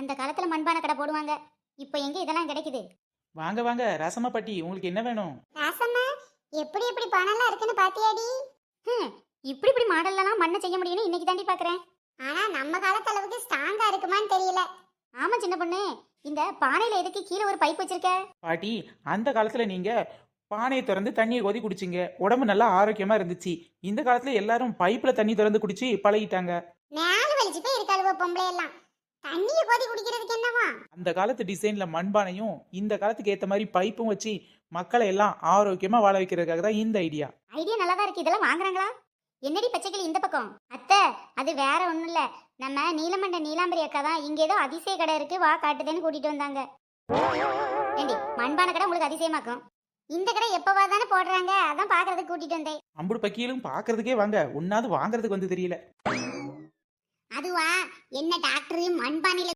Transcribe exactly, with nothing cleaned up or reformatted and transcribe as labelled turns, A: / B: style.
A: அந்த காலத்துல மண்பானை கடை போடுவாங்க. இப்போ எங்க இதெல்லாம் கிடைக்குது?
B: வாங்க வாங்க ரசமா பாட்டி, உங்களுக்கு என்ன வேணும்?
C: ராசம்மா, எப்படி எப்படி பணம்லாம் இருக்குன்னு பாத்தியாடி?
A: ஹம், இப்படி இப்படி மாடல்லாம் மண்ணை செய்ய முடியும்னு இன்னைக்கு தாண்டி பாக்குறேன்.
C: ஆனா நம்ம காலத்து அளவுக்கு ஸ்ட்ராங்கா இருக்குமான்னு தெரியல.
A: ஆமா சின்ன பொண்ணு, இந்த பானையில எதுக்கு கீழே ஒரு பைப் வச்சிருக்க?
B: பாட்டி, அந்த காலத்துல நீங்க பானையை திறந்து தண்ணியை கொதி குடிச்சிங்க, உடம்பு நல்லா ஆரோக்கியமா இருந்துச்சு. இந்த காலத்துல எல்லாரும் பைப்ல தண்ணி திறந்து குடிச்சு பழகிட்டாங்க.
C: மேல வலிச்சு போய் இருக்காளுவ பொம்பளை எல்லாம். தண்ணிய கொதி குடிக்கிறதுக்கு என்னவா?
B: அந்த காலத்து டிசைன்ல மண்பானையும் இந்த காலத்துக்கு ஏத்த மாதிரி பைப்பும் வச்சு மக்களை எல்லாம் ஆரோக்கியமா வாழ வைக்கிறதுக்காக தான் இந்த ஐடியா.
A: ஐடியா நல்லா தான் இருக்கு. இதெல்லாம் வாங்குறாங்களா? என்னடி பச்சைக்கிளி இந்த பக்கம்? அத்தை, அது வேற ஒண்ணும் இல்ல. நம்ம நீலமண்ட நீலாம்பரி அக்கா தான் இங்க ஏதோ அதிசய கடை இருக்கு வா காட்டுதேன்னு கூட்டிட்டு வந்தாங்க. ஏண்டி, மண்பானை கடை உங்களுக்கு அதிசயமாக்கும்? இந்த கடை எப்பவா தானே போடுறாங்க, அதான் பாக்குறதுக்கு கூட்டிட்டு வந்தேன்.
B: அம்புடு பக்கியிலும் பாக்குறதுக்கே வாங்க, ஒன்னாவது வாங்குறதுக்கு வந்து தெரியல.
C: அதுவா, என்ன டாக்டர் மண்பானையில